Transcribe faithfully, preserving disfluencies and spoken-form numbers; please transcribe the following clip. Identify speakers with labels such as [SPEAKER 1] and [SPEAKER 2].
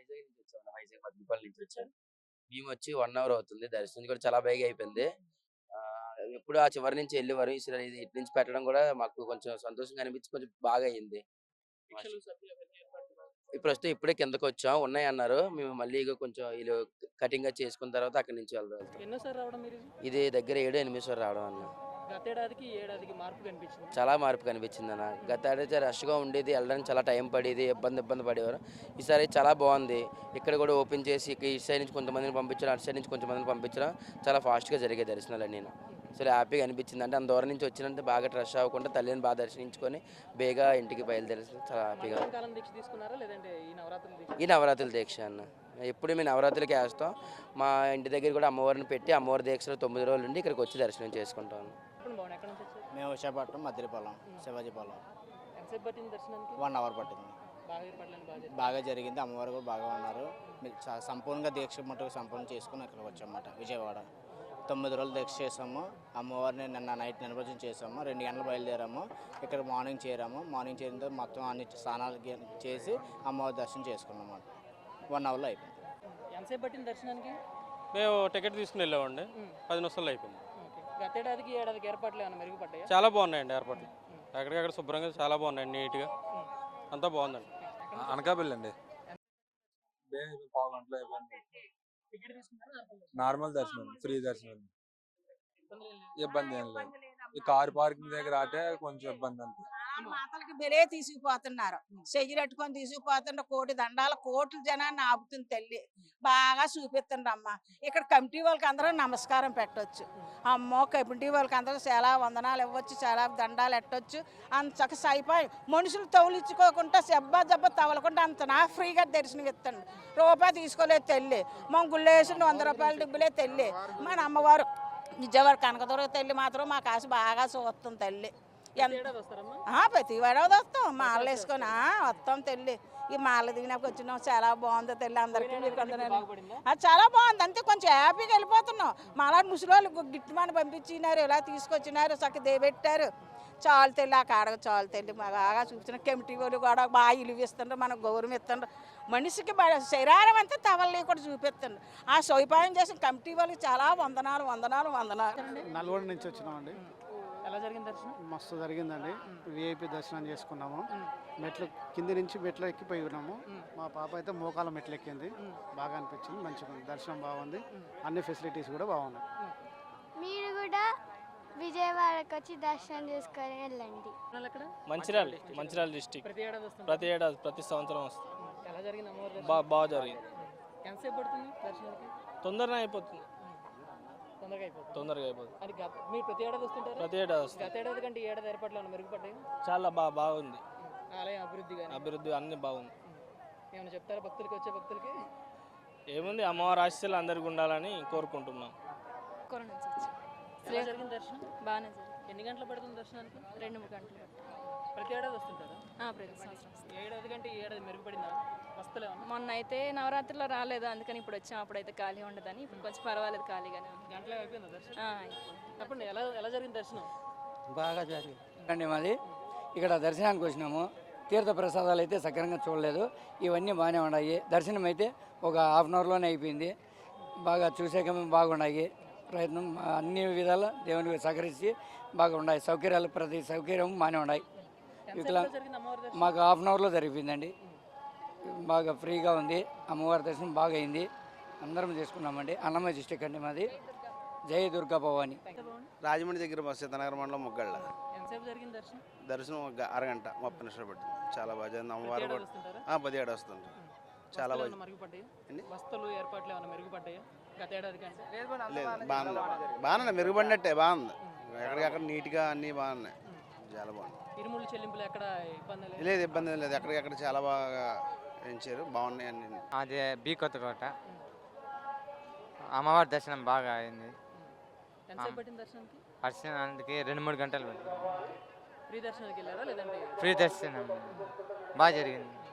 [SPEAKER 1] వైజాగ్ నుంచి వచ్చాను. వైజాగ్ మద్దిపల్లి నుంచి వచ్చాను. మేమొచ్చి ఒక అవర్ అవుతుంది. దర్శనం కూడా చాలా బేగా అయిపోయింది. ఆహ్, ఎప్పుడు ఆ చివరి నుంచి ఎళ్ళేవారు. ఈసారి ఇది ఇటు నుంచి పెట్టడం కూడా మాకు కొంచెం సంతోషంగా అనిపించి కొంచెం బాగా అయింది.
[SPEAKER 2] భిక్షలు, సరుకులు అవన్నీ ఏర్పాట్లు
[SPEAKER 1] ఈ ప్రస్తుతం ఇప్పుడే కిందకొచ్చాం. ఉన్నాయన్నారు. మేము మళ్ళీ ఇగ కొంచెం ఈళ్ళు కటింగ్ అది చేసుకున్న తర్వాత అక్కడి నుంచి వెళ్దాం.
[SPEAKER 2] ఎన్నోసారి రావడం మీరిది?
[SPEAKER 1] ఇది దగ్గర ఏడో, ఎనిమిదో సారి రావడం అన్న.
[SPEAKER 2] గతేడాదికి, ఈ ఏడాదికి మార్పు కనిపించిందా?
[SPEAKER 1] చాలా మార్పు కనిపించిందన్న. గత ఏడైతే రష్‌గా ఉండేది. ఎళ్ళడానికి చాలా టైం పడేది. ఇబ్బంది ఇబ్బంది పడేవారు. ఈసారి చాలా బావుంది. ఇక్కడ కూడా ఓపెన్ చేసి ఇక ఇటు సైడ్ నుంచి కొంతమందిని పంపించడం, అటు సైడ్ నుంచి కొంతమందిని పంపించడం చాలా ఫాస్ట్‌గా జరిగాయి దర్శనాలన్నీను. అసలు హ్యాపీగా అనిపించింది. అంటే అంత దూరం నుంచి వచ్చానంటే బాగా రష్ అవ్వకుండా తల్లిని బాగా దర్శించుకొని బేగా ఇంటికి బయలుదేరి చాలా హ్యాపీగా.
[SPEAKER 2] మండలం కాలం దీక్ష తీసుకున్నారా? లేదంటే ఈ నవరాత్రుల దీక్ష?
[SPEAKER 1] ఈ నవరాత్రుల దీక్ష అన్న. ఎప్పుడు మేము నవరాత్రులకే ఏస్తాం. మా ఇంటి దగ్గర కూడా అమ్మవారిని పెట్టి అమ్మవారి దీక్షలో తొమ్మిది రోజులు ఉండి ఇక్కడికి వచ్చి దర్శనం చేసుకుంటాం.
[SPEAKER 2] చెప్పండి బాబు, ఎక్కడి నుంచి వచ్చారు?
[SPEAKER 3] మేము విశాఖపట్నం మద్దిలపాలెం శివాజీపాలెం
[SPEAKER 2] ఎంతసేపు పట్టింది దర్శనానికి?
[SPEAKER 3] వన్ అవర్ పట్టింది.
[SPEAKER 2] బాగా ఏర్పాట్లని బాగా జరిగింది.
[SPEAKER 3] బాగా జరిగింది. అమ్మవారు కూడా బాగా ఉన్నారు. మీరు చ- సంపూర్ణంగా దీక్ష మటుకు సంపూర్ణ చేసుకుని ఇక్కడికి వచ్చామన్నమాట. విజయవాడ తొమ్మిది రోజులు దీక్ష చేసాము. అమ్మవారిని నిన్న నైట్ నిమజ్జనం చేసాము. రెండు గంటలు బయలుదేరాము. ఇక్కడ మార్నింగ్ చేరాము. మార్నింగ్ చేరిన తర్వాత మొత్తం అన్ని స్నానాలు గి- చేసి అమ్మవారి దర్శనం చేసుకున్నాం అన్నమాట. వన్ అవర్లో అయిపోయింది.
[SPEAKER 2] ఎంతసేపు పట్టింది దర్శనానికి?
[SPEAKER 4] మేము టికెట్ తీసుకుని వెళ్ళామండి.
[SPEAKER 2] ఉమ్.
[SPEAKER 4] పది నిమిషాల్లో అయిపోయింది.
[SPEAKER 2] ఓకే. గతేడాదికి, ఈ ఏడాదికి ఏర్పాట్లు ఏమైనా మెరుగుపడ్డాయా?
[SPEAKER 4] చాలా బాగున్నాయండి ఏర్పాట్లు. ఎక్కడికక్కడ శుభ్రంగా చాలా బాగున్నాయి, నీట్గా అంతా బాగుందండి.
[SPEAKER 5] అనకాపల్లి అండి. పావు గంటలో అయిపోయింది.
[SPEAKER 2] టికెట్ తీసుకున్నారా?
[SPEAKER 5] నార్మల్ దర్శనం, ఫ్రీ దర్శనం,
[SPEAKER 2] ఇబ్బంది ఏం లేదు.
[SPEAKER 5] ఇబ్బంది ఏం లేదు. ఈ కార్ పార్కింగ్ దగ్గర ఆటే కొంచెం ఇబ్బంది అంతే.
[SPEAKER 6] మాతలకి బెలే తీసుకుపోతున్నారు. చెయ్యిరెట్టుకొని తీసుకుపోతుండ్రు. కోటి దండాల కోట్ల జనాన్ని ఆపుతుంది తల్లి. బాగా చూపిస్తుండ్రు అమ్మ. ఇక్కడ కమిటీ వాళ్ళకి అందరూ నమస్కారం పెట్టొచ్చు. అమ్మో కమిటీ వాళ్ళకి అందరూ చాలా వందనాలు ఇవ్వచ్చు, చాలా దండాలు ఎట్టొచ్చు. అంత చక్క సైపోయి మనుషులు తౌలించుకోకుండా సెబ్బా జబ్బ తవలకుండా అంత నా ఫ్రీగా దర్శనం ఇస్తాడు. రూపాయి తీసుకోలేదు తల్లి. మా గుళ్ళో వేసిండు వంద రూపాయల డబ్బులే తల్లి. మన అమ్మవారు విజయవాడ కనకదుర్గ తల్లి మాత్రం మా కాసు బాగా చూస్తుంది తల్లి.
[SPEAKER 2] ప్రతి ఏడాది వస్తారమ్మా?
[SPEAKER 6] ఆ, ప్రతి వాడవది వస్తాం. మాలలు వేసుకొని ఆ, వస్తాం తల్లి. ఈ మాల దిగినప్పుడు వచ్చినాం. చాలా బాగుంది తల్లి. అందరికీ మీరు కొందరు
[SPEAKER 2] బాగుపడిందా?
[SPEAKER 6] అది చాలా బాగుంది. అంతే కొంచెం హ్యాపీగా వెళ్ళిపోతున్నాం. మాలా ముసలి గిట్టుమని పంపించినారు, ఇలా తీసుకొచ్చినారు, చక్క దేబెట్టారు. చాలు తెల్లి ఆ కాడకు చాలు తెల్లి బాగా చూపించిన కమిటీ వాళ్ళు కూడా బాగా ఇలువిస్తుండ్రు, మనకు గౌరవం ఇస్తుండ్రు. మనిషికి బ- శరీరం అంతా తవల్లి కూడా చూపిస్తుండ్రు. ఆ సౌపాయం చేసిన కమిటీ వాళ్ళకి చాలా వందనాలు వందనాలు వందనాలు.
[SPEAKER 7] నల్గొండ నుంచి వచ్చినామండి.
[SPEAKER 2] ఎలా జరిగింది దర్శనం?
[SPEAKER 7] మస్తు జరిగిందండి. విఐపి దర్శనం చేసుకున్నాము. మెట్లు కింది నుంచి మెట్లు ఎక్కిపోయి ఉన్నాము. మా పాప అయితే మోకాల మెట్లు ఎక్కింది. బాగా అనిపించింది. మంచిగా ఉంది. దర్శనం బాగుంది. అన్ని ఫెసిలిటీస్ కూడా బాగున్నాయి.
[SPEAKER 8] మీరు కూడా విజయవాడకి వచ్చి దర్శనం చేసుకొని వెళ్ళండి.
[SPEAKER 2] వాళ్ళు ఎక్కడ?
[SPEAKER 4] మంచిర్యాల మంచిర్యాల డిస్టిక్.
[SPEAKER 2] ప్రతి ఏడాది వస్తుంది.
[SPEAKER 4] ప్రతి ఏడాది ప్రతి సంవత్సరం వస్తుంది.
[SPEAKER 2] ఎలా జరిగింది అమ్మవారి దర్శనం?
[SPEAKER 4] బా బాగా జరిగింది.
[SPEAKER 2] ఎంతసేపు పడుతుంది దర్శనానికి?
[SPEAKER 4] తొందరగా అయిపోతుంది.
[SPEAKER 2] తొందరగా అయిపోతుంది.
[SPEAKER 4] తొందరగా అయిపోతుంది.
[SPEAKER 2] అది గత మీరు ప్రతి ఏడాది వస్తుంటారా?
[SPEAKER 4] ప్రతి ఏడాది వస్తుంది.
[SPEAKER 2] గత ఏడాది కంటే ఈ ఏడాది ఏర్పాట్లు ఏమైనా మెరుగుపడ్డాయి?
[SPEAKER 4] చాలా బాగా బాగుంది.
[SPEAKER 2] ఆలయం అభివృద్ధి కానీ
[SPEAKER 4] అభివృద్ధి అన్ని బాగుంది.
[SPEAKER 2] ఏమైనా చెప్తారా భక్తులకి, వచ్చే భక్తులకి?
[SPEAKER 4] ఏముంది, అమ్మవారి ఆశీస్సులు అందరికి ఉండాలని కోరుకుంటున్నాం.
[SPEAKER 9] కొరం నుంచి వచ్చి
[SPEAKER 2] ఎలా జరిగింది దర్శనం?
[SPEAKER 9] బాగానే జరిగింది.
[SPEAKER 2] ఎన్ని గంటలు పడుతుంది దర్శనానికి?
[SPEAKER 9] రెండు మూడు గంటలు పట్టింది.
[SPEAKER 2] ప్రతి ఏడాది వస్తుంటారా?
[SPEAKER 9] ఆ, ప్రతి సంవత్సరం వస్తాం.
[SPEAKER 2] ఈ ఏడాది కంటే ఈ ఏడాది మెరుగుపడిందా? వస్తలే ఉన్నా
[SPEAKER 9] మొన్న అయితే నవరాత్రిలో రాలేదు, అందుకని ఇప్పుడు వచ్చాం. అప్పుడైతే ఖాళీ ఉండదని ఇప్పుడు కొంచెం పర్వాలేదు, ఖాళీగానే ఉంది.
[SPEAKER 2] గంటలో అయిపోయిందా దర్శనం?
[SPEAKER 9] ఆ, అయిపోయింది.
[SPEAKER 2] చెప్పండి, ఎలా ఎలా జరిగింది దర్శనం?
[SPEAKER 10] బాగా జరిగింది అండి. మాది ఇక్కడ దర్శనానికి వచ్చినాము. తీర్థ ప్రసాదాలు అయితే సక్రంగా చూడలేదు. ఇవన్నీ బాగానే ఉన్నాయి. దర్శనం అయితే ఒక హాఫ్ అన్ అవర్లోనే అయిపోయింది. బాగా చూసాక బాగున్నాయి. ప్రయత్నం అన్ని విధాల దేవునికి సహకరించి బాగా ఉన్నాయి. సౌకర్యాలు ప్రతి సౌకర్యం బాగానే ఉన్నాయి. ఇక్కడ
[SPEAKER 2] ఎంతసేపు జరిగింది అమ్మవారి దర్శనం?
[SPEAKER 10] మాకు హాఫ్ అన్ అవర్లో జరిగిపోయిందండి. బాగా ఫ్రీగా ఉంది. అమ్మవారి దర్శనం బాగా అయింది. అందరం చేసుకున్నామండి. అన్నమయ్య డిస్టిక్ అండి మాది. జై దుర్గా భవాని.
[SPEAKER 3] రాజమండ్రి దగ్గర మా సీతానగర్ మండలం ముగ్గళ్ళ
[SPEAKER 2] ఎంతసేపు జరిగింది దర్శనం?
[SPEAKER 3] దర్శనం ఒక గ- అరగంట ముప్పై నిమిషాలు పట్టింది. చాలా బాగా జరిగింది.
[SPEAKER 2] ప్రతి
[SPEAKER 3] అమ్మవారు
[SPEAKER 2] ఏడాది
[SPEAKER 3] కూడా
[SPEAKER 2] వస్తుంటారా?
[SPEAKER 3] ఆ, పదిహేడు వస్తుంది. చాలా
[SPEAKER 2] వస్తువులు
[SPEAKER 3] బాగా
[SPEAKER 2] ఏమైనా మెరుగుపడ్డాయి?
[SPEAKER 3] ఏంటి?
[SPEAKER 2] వస్తువులు ఏర్పాట్లు ఏమైనా మెరుగుపడ్డాయా గత ఏడాది కంటే?
[SPEAKER 3] లేదు, బాగుంది. బాగుంది, మెరుగుపడినట్టే బాగుంది. ఎక్కడికక్కడ నీట్గా అన్నీ బాగున్నాయి. చాలా బాగుంది.
[SPEAKER 2] ఇరుముళ్ళు చెల్లింపులు ఎక్కడ ఇబ్బంది లేదు?
[SPEAKER 3] లేదు, ఇబ్బంది ఏం లేదు. ఎక్కడికక్కడ చాలా బాగా పెంచారు. బాగున్నాయి అన్ని.
[SPEAKER 11] అది బీ కొత్తకోట అమ్మవారి దర్శనం బాగా అయింది.
[SPEAKER 2] ఎంతసేపు పట్టింది దర్శనానికి?
[SPEAKER 11] దర్శనానికి రెండు మూడు గంటలు పట్టింది.
[SPEAKER 2] ఫ్రీ దర్శనానికి వెళ్ళారా లేదంటే?
[SPEAKER 11] ఫ్రీ దర్శనం బాగా జరిగింది.